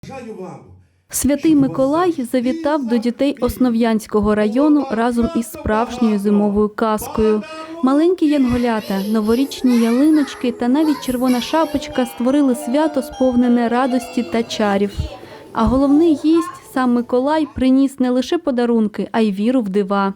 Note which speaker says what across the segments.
Speaker 1: Бажаю вам.
Speaker 2: Святий Миколай завітав до дітей Основ'янського району разом із справжньою зимовою казкою. Маленькі янголята, новорічні ялиночки та навіть червона шапочка створили свято, сповнене радості та чарів. А головний гість, сам Миколай, приніс не лише подарунки, а й віру в дива.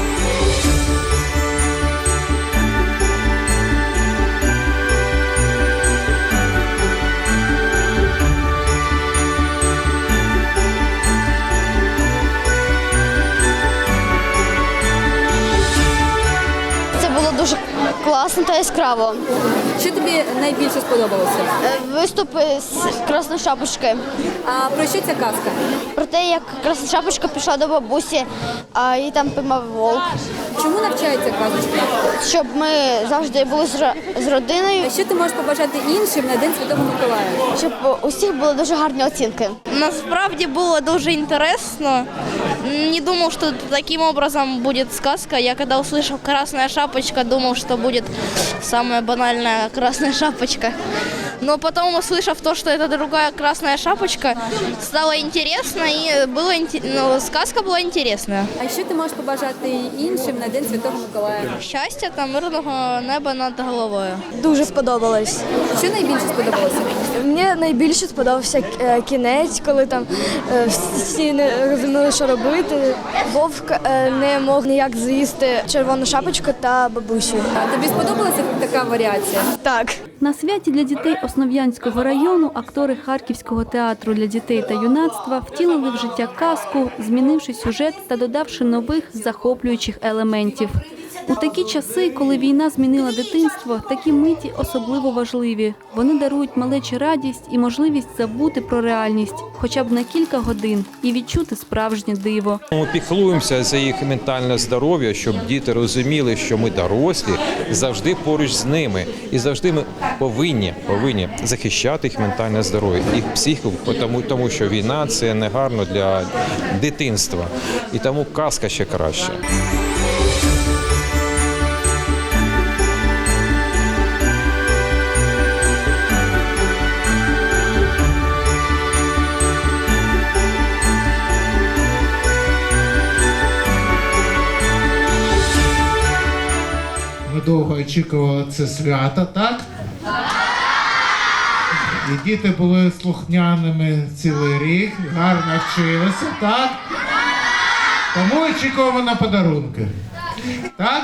Speaker 3: Дуже класно та яскраво.
Speaker 4: Що тобі найбільше сподобалося?
Speaker 3: Виступи з Красної Шапочки.
Speaker 4: А про що ця казка?
Speaker 3: Про те, як Красна Шапочка пішла до бабусі, а її там піймав вовк.
Speaker 4: Чому навчається казочка?
Speaker 3: Щоб ми завжди були з родиною.
Speaker 4: А що ти можеш побажати іншим на День Святого Миколая?
Speaker 3: Щоб у всіх були дуже гарні оцінки.
Speaker 5: Насправді було дуже інтересно. Не думав, що таким образом буде сказка. Я коли услышав «Красная шапочка», думав, що буде самая банальная «Красная шапочка». Но потом, услышав то, что это другая «Красная шапочка», стало интересно, и сказка была интересная.
Speaker 4: А що ти можеш побажати іншим на День Святого Миколая?
Speaker 5: Щастя та мирного неба над головою.
Speaker 6: Дуже сподобалось.
Speaker 4: Що найбільше сподобалося?
Speaker 6: Мені найбільше сподобався кінець, коли там всі не розуміли, що робити. Вовк не мог ніяк з'їсти червону шапочку та бабусю.
Speaker 4: А тобі сподобалася така варіація?
Speaker 6: Так.
Speaker 2: На святі для дітей Основ'янського району актори Харківського театру для дітей та юнацтва втілили в життя казку, змінивши сюжет та додавши нових захоплюючих елементів. У такі часи, коли війна змінила дитинство, такі миті особливо важливі. Вони дарують малечі радість і можливість забути про реальність, хоча б на кілька годин, і відчути справжнє диво.
Speaker 7: Ми піклуємося за їх ментальне здоров'я, щоб діти розуміли, що ми дорослі, завжди поруч з ними. І завжди ми повинні захищати їх ментальне здоров'я, їх психіку, тому що війна – це негарно для дитинства. І тому казка ще краще.
Speaker 1: Ми довго очікували це свято, так? І діти були слухняними цілий рік, гарно вчилися, так? Тому очікуємо на подарунки. Так?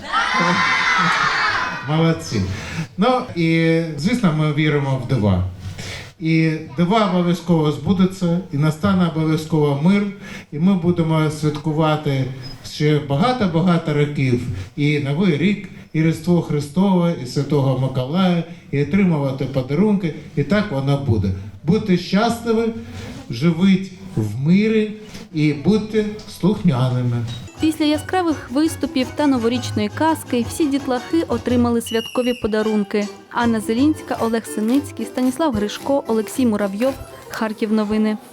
Speaker 1: Молодці. Ну і, звісно, ми віримо в дива. І дива обов'язково збудуться, і настане обов'язково мир, і ми будемо святкувати ще багато-багато років і Новий рік, і Різдво Христове, і Святого Миколая, і отримувати подарунки, і так воно буде. Будьте щасливі, живіть в мирі і будьте слухняними.
Speaker 2: Після яскравих виступів та новорічної казки всі дітлахи отримали святкові подарунки. Анна Зелінська, Олег Синицький, Станіслав Гришко, Олексій Муравйов. Харків новини.